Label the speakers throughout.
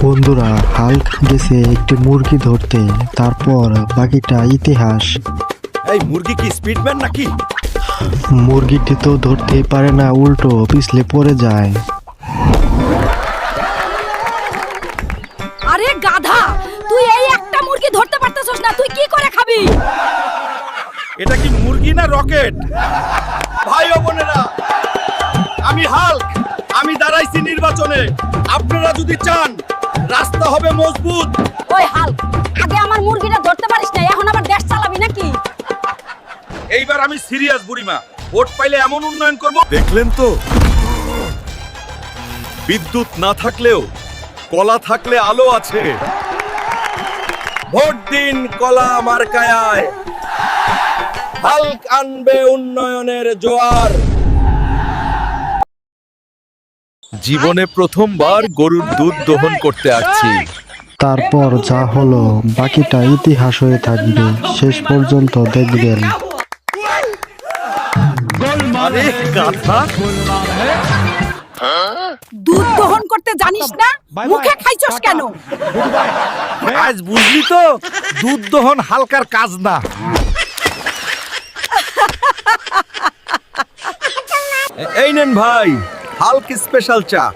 Speaker 1: বন্ধুরা, হাল্ক গেছে একটি মুরগি ধরতে, তারপর বাকিটা ইতিহাস।
Speaker 2: এই মুরগি কি স্পিডম্যান নাকি?
Speaker 1: মুরগিটি তো ধরতেই পারে না, উল্টো পিছলে পড়ে যায়।
Speaker 3: আরে গাধা, তুই এই একটা মুরগি ধরতে পারতেছস না, তুই কি করে খাবি?
Speaker 2: এটা কি মুরগি না রকেট? ভাই ও বোনেরা, আমি হাল্ক, আমি দাঁড়াইছি নির্বাচনে। আপনারা যদি চান রাস্তা হবে মজবুত।
Speaker 3: ওই হাল্ক, আগে আমার মুরগিটা ধরতে পারিস না, এখন আবার দেশ চালাবি নাকি?
Speaker 2: এইবার আমি সিরিয়াস বুড়িমা, ভোট পাইলে এমন উন্নয়ন করব। দেখলেন তো, বিদ্যুৎ না থাকলেও কলা থাকলে আলো আছে। ভোট দিন কলা মার্কায়, হাল্ক আনবে উন্নয়নের জোয়ার। জীবনে প্রথমবার গরুর দুধ দহন করতে আসছি।
Speaker 1: তারপর যা হলো বাকিটা ইতিহাস হয়ে থাকবে, শেষ পর্যন্ত দেখবেন।
Speaker 2: আরে গাধা,
Speaker 3: দুধ দহন করতে জানিস না, মুখে খাইছস কেন?
Speaker 2: আজ বুঝলি তো, দুধ দহন হালকার কাজ না। এই নেন ভাই, হাল্ক স্পেশাল চা।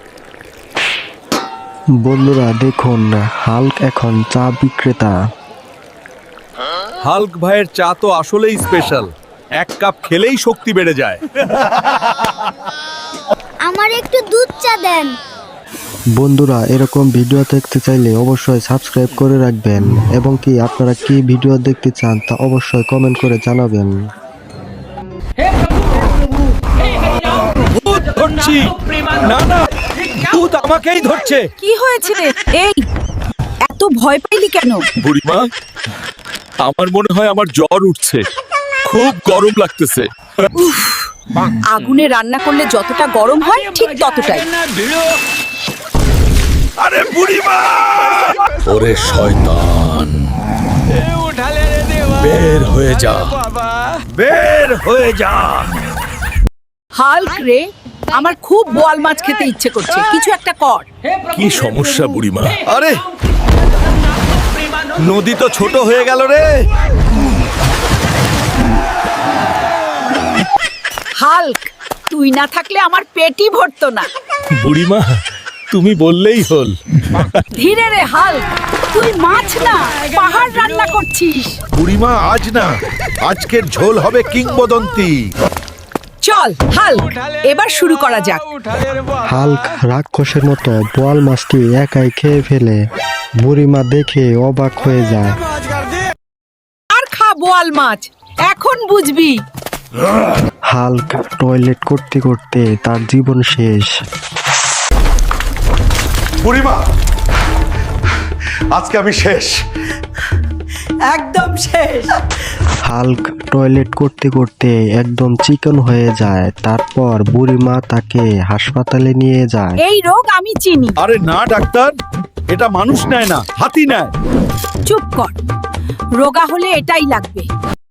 Speaker 1: বন্ধুরা দেখুন, হাল্ক এখন চা বিক্রেতা।
Speaker 2: হাল্ক ভাইয়ের চা তো আসলেই স্পেশাল, এক কাপ খেলেই শক্তি বেড়ে যায়।
Speaker 4: আমার একটু দুধ চা দেন।
Speaker 1: বন্ধুরা, এরকম ভিডিও দেখতে চাইলে অবশ্যই সাবস্ক্রাইব করে রাখবেন, এবং কি আপনারা কি ভিডিও দেখতে চান তা অবশ্যই কমেন্ট করে জানাবেন।
Speaker 2: দুধ ধরছি না, না, দুধ আমাকেই ধরছে।
Speaker 3: কি হয়েছে রে? এই এত ভয় পাইলি কেন?
Speaker 2: বুড়িমা, আমার মনে হয় আমার জ্বর উঠছে, খুব গরম লাগতেছে।
Speaker 3: আগুনে রান্না করলে যতটা গরম হয় ঠিক ততটাই।
Speaker 2: আরে বুড়িমা! ওরে শয়তান, বের হয়ে যা, বের হয়ে যা।
Speaker 3: হাল্ক রে, আমার খুব বোয়াল মাছ খেতে ইচ্ছে করছে, কিছু একটা কর।
Speaker 2: কি সমস্যা বুড়িমা? আরে নদী তো ছোট হয়ে গেল রে।
Speaker 3: হাল্ক, তুই না থাকলে আমার পেটই ভরতো না।
Speaker 2: বুড়িমা, তুমি বললেই হল।
Speaker 3: ধীরে রে হাল্ক, তুই মাছ না পাহাড় রান্না করছিস।
Speaker 2: বুড়িমা, আজ না, আজকের ঝোল হবে কিংবদন্তি।
Speaker 3: চল হাল্ক, এবার শুরু করা যাক।
Speaker 1: হাল্ক রাক্ষসের মতো বোয়াল মাছটি একাই খেয়ে ফেলে। বুড়িমা দেখে অবাক হয়ে যায়।
Speaker 3: আর খা বোয়াল মাছ, এখন বুঝবি।
Speaker 1: হাল্ক টয়লেট করতে করতে তার জীবন শেষ।
Speaker 2: বুড়িমা, আজকে আমি শেষ।
Speaker 3: একদম শেষ।
Speaker 1: হাল্ক টয়লেট করতে করতে একদম চিকন হয়ে যায়। তারপর বুড়িমা তাকে হাসপাতালে নিয়ে যায়।
Speaker 3: এই রোগ আমি চিনি।
Speaker 2: আরে না ডাক্তার, এটা মানুষ নেয় না, হাতি নেয়।
Speaker 3: চুপ কর, রোগা হলে এটাই লাগবে।